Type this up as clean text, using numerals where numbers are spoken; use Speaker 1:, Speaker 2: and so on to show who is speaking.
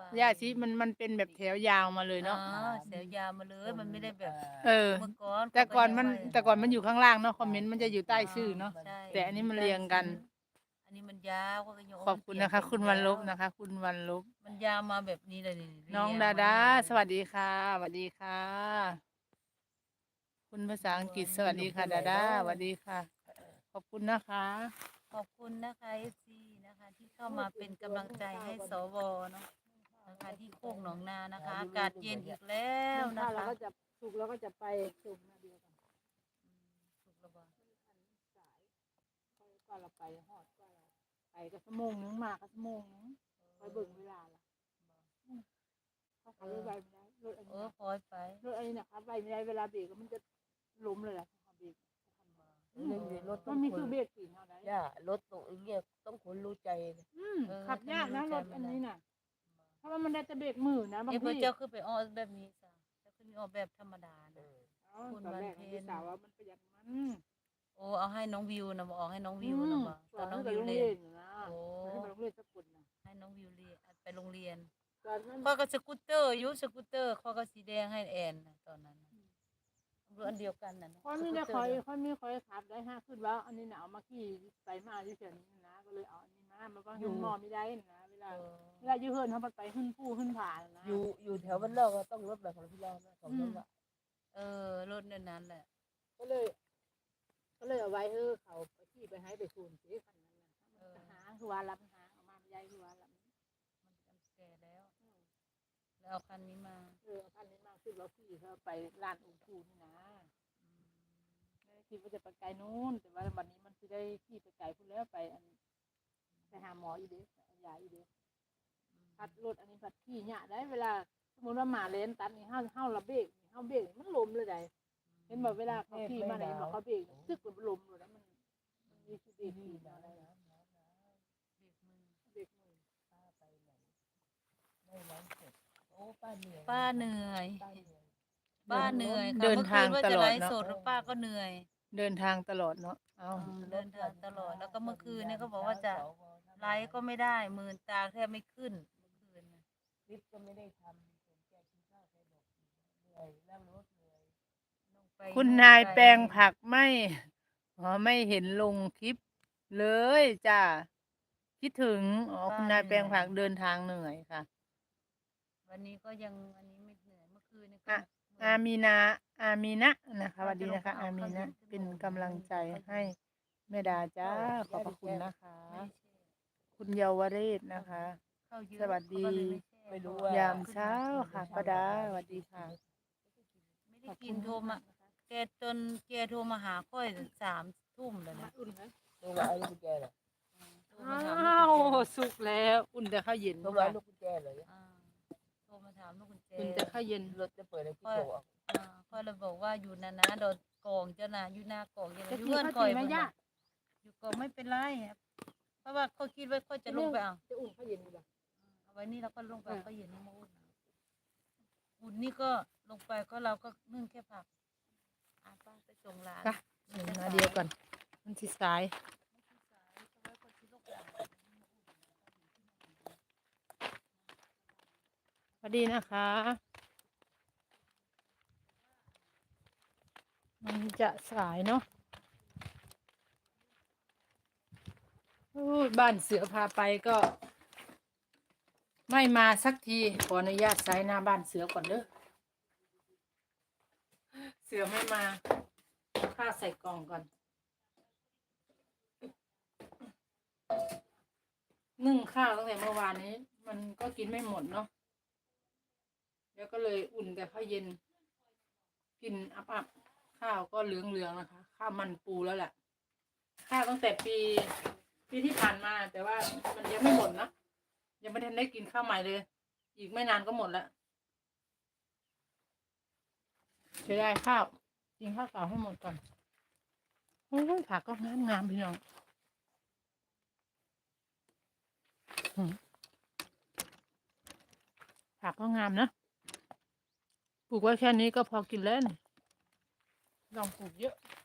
Speaker 1: หญ้าชีมันเป็นแบบแถวยาวมาเลย
Speaker 2: อ๋อ
Speaker 1: เนาะ
Speaker 2: แถวยาวมาเลยมันไม่ได้แบบ
Speaker 1: เออ
Speaker 2: เมื่อก่อน
Speaker 1: แต่
Speaker 2: เขาก็
Speaker 1: ก่อนมัน
Speaker 2: ยังไว้
Speaker 1: แต่ก่อนมันอยู่ข้างล่างเนาะคอมเมนต์มันจะอยู่ใต้
Speaker 2: อ๋อ
Speaker 1: ชื่อเนาะ
Speaker 2: ใช่
Speaker 1: แต่อันนี้มัน
Speaker 2: ใต้
Speaker 1: เรียงกัน
Speaker 2: ชื่ออันนี้มันยาวเขาก็ยังโอ้
Speaker 1: ขอบ
Speaker 2: มันเป
Speaker 1: คุณนะคะ
Speaker 2: ลี่ยนเป็น
Speaker 1: คุณวันล
Speaker 2: แล้ว
Speaker 1: บนะคะ คุณวันลบ
Speaker 2: มันยาวมาแบบนี้เลยนี่
Speaker 1: น้อง
Speaker 2: เรียง
Speaker 1: ดาดา
Speaker 2: มายาว
Speaker 1: สวัสดีค่ะสวัสดีค่ะคุณภาษา
Speaker 2: บัว
Speaker 1: อังกฤษสวัส
Speaker 2: นี่
Speaker 1: ดีค่ะดาดาสวัสดีค่ะขอบคุณนะคะ
Speaker 2: ขอบคุณนะคะเอฟซีนะคะที่เข้ามาเป็นกำลังใจให้สวเนาะนะคะที่โคกหนองนานะคะอากาศเย็นอีกแล้ว
Speaker 1: นึ่งข้าวเรา
Speaker 2: นะคะ
Speaker 1: ก็จะสุกแล้วก็จะไปสุกนาเดียวกัน
Speaker 2: สุกระบาด
Speaker 1: ก็เราไปหอดก็เราไปก็ชั่วโมงนึงมาก็ชั่วโมงนึงไปเบิ่งเวลาละเขาขับรถไปไม่ได้รถอันนี้นะ
Speaker 2: คอยไป
Speaker 1: รถอันนี้นะครับไปไม่ได้เวลาเบรกมันจะล้มเลยแหละเบรก
Speaker 3: เรื่องรถต้
Speaker 1: มันมี
Speaker 3: องคน
Speaker 1: คือเบรกสีเท่านั้น
Speaker 3: ย่ารถตรงเงี้ยต้องคนรู้ใจนะ
Speaker 1: ขับยากนะรถอันนี้น่ะเพราะว่ามันได้แต่เบรกมือนะบางที
Speaker 2: เจ้าคือไปออแบบนี้จ้ะเจ้าคือมีออกแบบธรรมดานะคุณ
Speaker 1: ตอน
Speaker 2: วัน
Speaker 1: แรก
Speaker 2: เพ็
Speaker 1: พี่
Speaker 2: ญ
Speaker 1: สาวว่ามันประหยัดมัน
Speaker 2: โอ้เอาให้น้องวิวนะบอกให้น้องวิวนะบอกตอนน้องวิวเรียนโอ้
Speaker 1: ให้ไปโรงเรียนสักคนนะ
Speaker 2: ให้น้องวิวเรียนไปโรงเรียน
Speaker 1: ตอนนั้น
Speaker 2: ข้อก็สกูตเตอร์ยุสกูตเตอร์ข้อก็สีแดงให้แอนนะตอนนั้นรถอันเดียวกันนะ
Speaker 1: ค่อยมีได้คอยค่อยมีคอยขับได้ห้าขึ้นว่าอันนี้หนาวมาขี่ไปมาที่เฉยนี้นะก็เลยเอาอันนี้มามันก็เห็นมอไม่ได้นะเวลายืเฮินเขาไปขึ้นผู้ขึ้นผ่านนะ
Speaker 3: อยู่แถวบ้านนอกก็ต้องรถแบบของพี่เรานะของน้องอะ
Speaker 2: รถนั้นแหละ
Speaker 1: ก็เลยเอาไว้เขาไปขี่ไปให้ไปคูนสิคันนั้นนะหาคือว่ารับหาเอามาไม่ได้คือว่ารับ
Speaker 2: มันแก่แล้วแล้วเอาคันนี้มา
Speaker 1: คันนี้มาขึ้นรถขี่เขาไปลานองค์คูนี่นะคิดว่าจะไปไกลนู้นแต่ว่าวันนี้มันจะได้ขี่ไปไกลพุ่นแล้วไปหาหมออีเด็กยาอีเด็กพัดรถอันนี้พัดขี่เนี่ยได้เวลาสมมติว่าหมาเลนตัดนี่ห้าระเบรกห้าเบรกมันล้มเลยได้เห็นบอกเวลาเขาขี่มาไหนบอกเขาเบรกซึกมันล้มเลยแล้วมันมีคือเบรกขี่อะไรเบรกมือ
Speaker 3: ไม่ร้อนเสร็จโอ้ป้าเหนื่อย
Speaker 2: ป้าเหนื่อย
Speaker 3: ป้าเหนื่อย
Speaker 2: ป้าเหนื่อยค่ะ
Speaker 1: เดินทางตลอด
Speaker 2: เมื่อคืนว่าจะไลฟ์
Speaker 1: เนาะ
Speaker 2: สดป้าก็เหนื่อย
Speaker 1: เดินทางตลอดเนาะเอา
Speaker 2: เดินทางตลอดแล้วก็เมื่อคืนเนี่ยเขาบอกว่าจะไลฟ์ก็ไม่ได้มือตาแทบไม่ขึ้นเมื่อคืนนะ
Speaker 3: คลิปก็ไม่ได้ทำผมแกกินข้าวแกบอกเหนื่อยนั่งรถเหนื่อย
Speaker 1: คุณนายแปลงผักไม่เห็นลงคลิปเลยจ้าคิดถึงคุณนายแปลงผักเดินทางเหนื่อยค่ะ
Speaker 2: วันนี้ก็ยังอันนี้ไม่เหนื่อยเมื่อคืนนี่ก็
Speaker 1: อามีนาอามีนะนะคะสวัสดีนะคะอามีนะเป็นกำลังใจให้แม่ดาจ้าขอบพระคุณนะคะคุณเยาวเรศนะคะสวัสดี
Speaker 3: ไม่รู้ว่าย
Speaker 1: ามเช้าค่ะป้าดาสวัสดีค่ะ
Speaker 2: ไม่ได้กินโทรมาแกโทรมาหาค่อย3 ทุ่มเลยนะ
Speaker 3: ตัวว่าไอ้ลูกกุญแจเหรอ
Speaker 1: อ้าวสุกแล้วอุ่นแต่ข้าวเย็น
Speaker 3: ตัวว่าลูกกุญแจเหรอ
Speaker 2: โทรมาถามลูกกุญแจ
Speaker 1: อุ่นแต่ข้าวเย็น
Speaker 3: รถจะเปิดอะไรที่โตอ่ะ
Speaker 2: ค่อยเลยบอกว่าอยู่นะโดนกองเจ้านะอยู่หน้ากองอยู่เงื่อนคอยอยู่กองไม่เป็นไรเพราะว่าเขาคิดว่าเขาจะลงไปเอา
Speaker 1: จะอุ่นข้าวเย็นดีกว่า
Speaker 2: เอาไว้นี่เราก็ลงไปก็เย็นนี่มาอุ่นนี่ก็ลงไปก็เราก็นึ่งแค่ผักป้าไปส่งร้าน
Speaker 1: มาเดียวกันมันสิสายสวัสดีนะคะมันจะสายเนาะบ้านเสือพาไปก็ไม่มาสักทีขออนุญาตใช้หน้าบ้านเสือก่อนเด้อเสือไม่มาข้าใส่กล่องก่อนนึ่งข้าวตั้งแต่เมื่อวานนี้มันก็กินไม่หมดเนาะแล้วก็เลยอุ่นแต่ข้าวเย็นกินอับข้าวก็เหลืองๆนะคะข้าวมันปูแล้วแหละข้าวตั้งแต่ปีที่ผ่านมาแต่ว่ามันยังไม่หมดนะยังไม่ทันได้กินข้าวใหม่เลยอีกไม่นานก็หมดแล้วจะได้ข้าวกินข้าวเปล่าให้หมดก่อนโอ้ยผักก็งามพี่น้องผักก็งามนะปลูกไว้แค่นี้ก็พอกินแล้วลองปลูกเยอะ